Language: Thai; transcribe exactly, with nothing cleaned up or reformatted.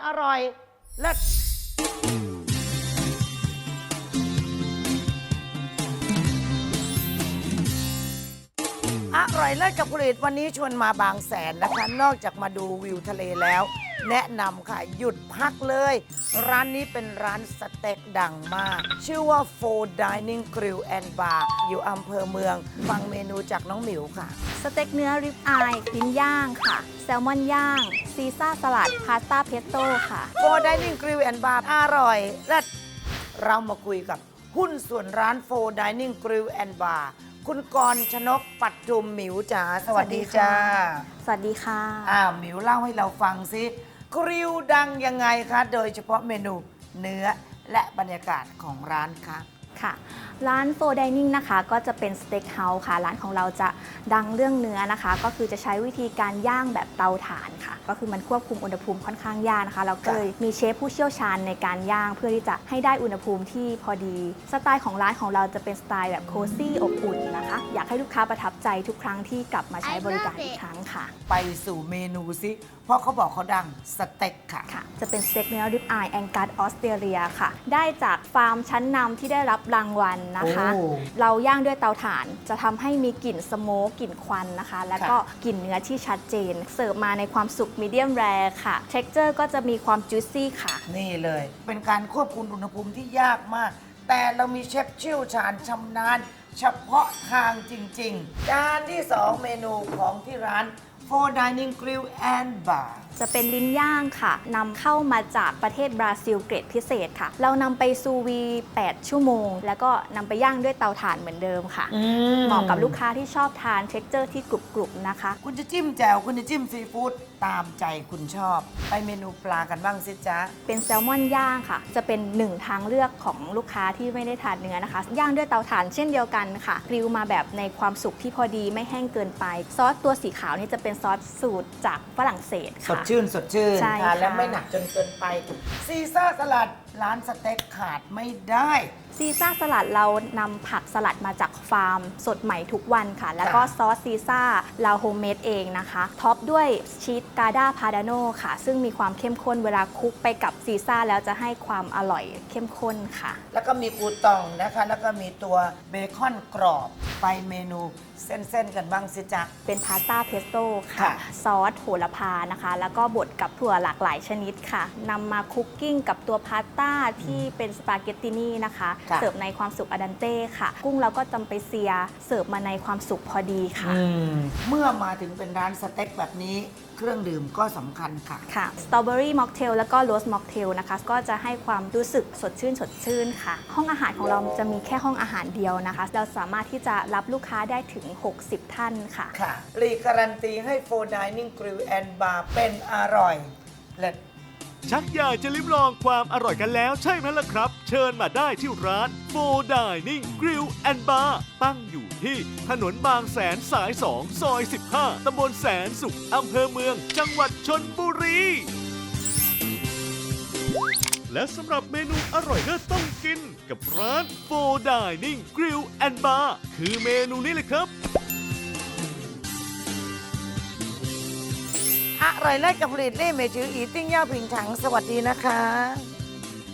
อร่อยเลิศอร่อยเลิศกับผลิตวันนี้ชวนมาบางแสนนะคะ นอกจากมาดูวิวทะเลแล้ว แนะนำค่ะ หยุดพักเลย ร้านนี้เป็นร้านสเต็กดังมาก ชื่อว่า Four Dining Grill and Bar อยู่อำเภอเมือง ฟังเมนูจากน้องหมิวค่ะสเต็กเนื้อริบอายลิ้นย่างค่ะ แซลมอนย่าง ซีซ่าสลัด พาสต้าเพสโต้ค่ะ Four Dining Grill and Bar อร่อยเลิศเรามาคุยกับหุ้นส่วนร้าน Four Dining Grill and Bar คุณกรณ์ชนกปัดจุมหมิวจ๋าสวัสดีจ้าสวัสดีค่ะอ้าวหมิวเล่าให้เราฟังซิกริลดังยังไงคะ โดยเฉพาะเมนูเนื้อและบรรยากาศของร้านคะค่ะ ร้านโฟร์ไดนิ่งนะคะก็จะเป็นสเต็กเฮาส์ค่ะ ร้านของเราจะดังเรื่องเนื้อนะคะ ก็คือจะใช้วิธีการย่างแบบเตาถ่านค่ะ ก็คือมันควบคุมอุณหภูมิค่อนข้างยากนะคะ เราก็เลยมีเชฟผู้เชี่ยวชาญในการย่างเพื่อที่จะให้ได้อุณหภูมิที่พอดี สไตล์ของร้านของเราจะเป็นสไตล์แบบโคซี่อบอุ่นนะคะ อยากให้ลูกค้าประทับใจทุกครั้งที่กลับมาใช้บริการอีกครั้งค่ะไปสู่เมนูซิเพราะเขาบอกเขาดังสเต็กค่ะค่ะจะเป็นสเต็กเนื้อริบอายแองกัสออสเตรเลียค่ะ ได้จากฟาร์มชั้นนำที่ได้รับรางวัลนะคะโอ้เราย่างด้วยเตาถ่าน จะทำให้มีกลิ่นสโมกกลิ่นควันนะคะ แล้วก็ค่ะกลิ่นเนื้อที่ชัดเจน เสิร์ฟมาในความสุกมีเดียมแรร์ค่ะเท็กเจอร์ก็จะมีความจุ c ซี่ค่ะนี่เลย เป็นการควบคุมอุณหภูมิที่ยากมาก แต่เรามีเชฟเชี่ยวชาญชำนาญเฉพาะทางจริงๆ จานที่สองเมนูของที่ร้าน Four Dining Grill and Bar จะเป็นลิ้นย่างค่ะนำเข้ามาจากประเทศบราซิลเกรดพิเศษค่ะ เรานำไปซูวี แปด ชั่วโมง แล้วก็นำไปย่างด้วยเตาถ่านเหมือนเดิมค่ะ เหมาะกับลูกค้าที่ชอบทานเท็กเจอร์ที่กรุบๆนะคะคุณจะจิ้มแจ่วคุณจะจิ้มซีฟู้ดตามใจคุณชอบ ไปเมนูปลากันบ้างสิจ๊ะเป็นแซลมอนย่างค่ะ จะเป็นหนึ่งทางเลือกของลูกค้าที่ไม่ได้ทานเนื้อนะคะ ย่างด้วยเตาถ่านเช่นเดียวกันค่ะกริลมาแบบในความสุกที่พอดีไม่แห้งเกินไป ซอสตัวสีขาวนี่จะเป็นซอสสูตรจากฝรั่งเศสสดค่ะชื่นสดชื่นใช่ทานแล้วค่ะไม่หนักจนเกินไป ซีซ่าสลัดร้านสเต็กขาดไม่ได้ซีซ่าสลัดเรานำผักสลัดมาจากฟาร์ม สดใหม่ทุกวันค่ะ แล้วก็ค่ะซอสซีซ่าเราโฮมเมดเองนะคะท็อปด้วยชีสกาดาพาดาโนค่ะ ซึ่งมีความเข้มข้นเวลาคลุกไปกับซีซ่าแล้วจะให้ความอร่อยเข้มข้นค่ะแล้วก็มีกูตองนะคะ แล้วก็มีตัวเบคอนกรอบ ไปเมนูเส้นๆกันบ้างสิจ๊ะเป็นพาสต้าเพสโต้ค่ะค่ะ ซอสโหระพานะคะ แล้วก็บดกับถั่วหลากหลายชนิดค่ะนำมาคุกกิ้งกับตัวพาสต้าที่เป็นสปาเกตตินีนะคะค่ะเสิร์ฟในความสุกอดันเต้ค่ะ กุ้งเราก็จำไปเซียเสิร์ฟมาในความสุกพอดีค่ะอืมเมื่อมาถึงเป็นร้านสเต็กแบบนี้เครื่องดื่มก็สำคัญค่ะค่ะสตรอเบอรี่ม็อกเทลแล้วก็โรสม็อกเทลนะคะ ก็จะให้ความรู้สึกสดชื่นสดชื่นค่ะ ห้องอาหารของเราจะมีแค่ห้องอาหารเดียวนะคะ เราสามารถที่จะรับลูกค้าได้ถึง หกสิบ ท่านค่ะค่ะรีการันตีให้ Four Dining Grill and Bar เป็นอร่อยเลิศชักอยากจะลิ้มลองความอร่อยกันแล้วใช่ไหมล่ะครับ เชิญมาได้ที่ร้าน Four Dining Grill and Bar ตั้งอยู่ที่ถนนบางแสนสาย สอง ซอย สิบห้า ตำบลแสนสุข อำเภอเมือง จังหวัดชลบุรี และสำหรับเมนูอร่อยเลิศต้องกินกับร้าน Four Dining Grill and Bar คือเมนูนี้เลยครับอร่อยเลิศกับผลิตเล่เมจืออีติ้งย่าผิงถังสวัสดีนะคะ